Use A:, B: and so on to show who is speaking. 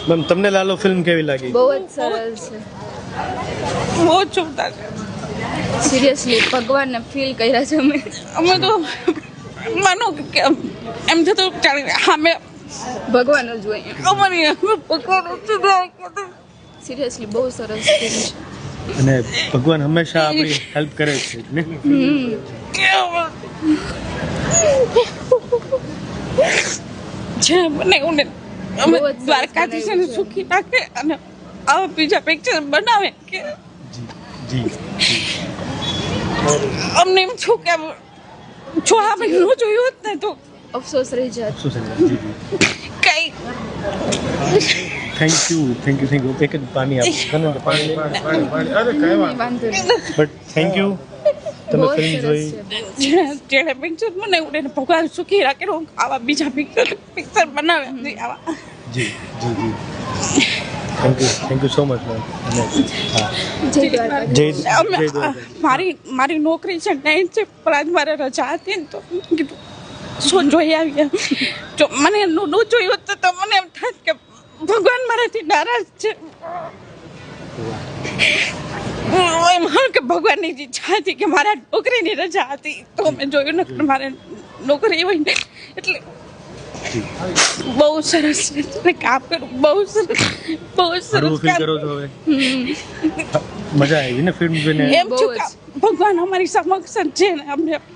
A: Ma'am તમને Lalo film કેવી લાગી?
B: બહુ જ સરસ છે,
C: બહુ જોરદાર.
B: સિરિયસલી ભગવાનને ફીલ કર્યા છે
C: અમે તો માનો કે એમ થતું ચાલી અમે
B: ભગવાન જ હોય.
C: અમારી ભગવાન
B: સિરિયસલી બહુ સરસ ફિલ્મ છે.
A: અને ભગવાન હંમેશા આપણી હેલ્પ કરે છે ને?
C: જે મને એવું ને અમે
B: બહુ જ સરસ
C: દ્વારકાધીશને
B: બનાવ્યું છે.
C: સુખી રાખે અને આવા બીજા પિક્ચર બનાવે કે
A: જી
C: અમને એમ છું કે જો આપણે ન જોયું હોત ને તો
B: અફસોસ રહી જાત.
A: શું છે? જી
C: કઈ
A: થેન્ક યુ એક જ પાણી આપો પાણી
B: વાંધો નહીં.
A: બટ થેન્ક યુ તમે
B: બહુ
A: ફિલ્મ
B: સરસ
A: જોઈ.
B: છે.
C: જેને પિક્ચર બનાવ્યું એને ભગવાન સુખી રાખે આવા બીજા પિક્ચર બનાવે આવા
A: જી thank you so much ma'am. હા
B: જય દ્વારકા.
A: જય
C: અમે
A: દ્વારકા.
C: મારી નોકરી છે નાઇટ છે પણ આજ મારે રજા હતી ને તો કીધું શું જોઈ આવીએ. જો મને ન જોયું હોત તો મને એમ થાત કે ભગવાન મારાથી નારાજ છે. એમ કે ભગવાનની જે ઈચ્છા હતી કે મારા નોકરીની રજા હતી તો મેં જોયું ને મારે નોકરી હોય ને એટલે બહુ સરસ છે કામ કરું બહુ સરસ
A: હળવું ફીલ
C: કામ.
A: કરો છો હવે? મજા આવી ને ફિલ્મ જોઈને?
C: એમ છું કે ભગવાન અમારી સમક્ષ જ છે ને અમને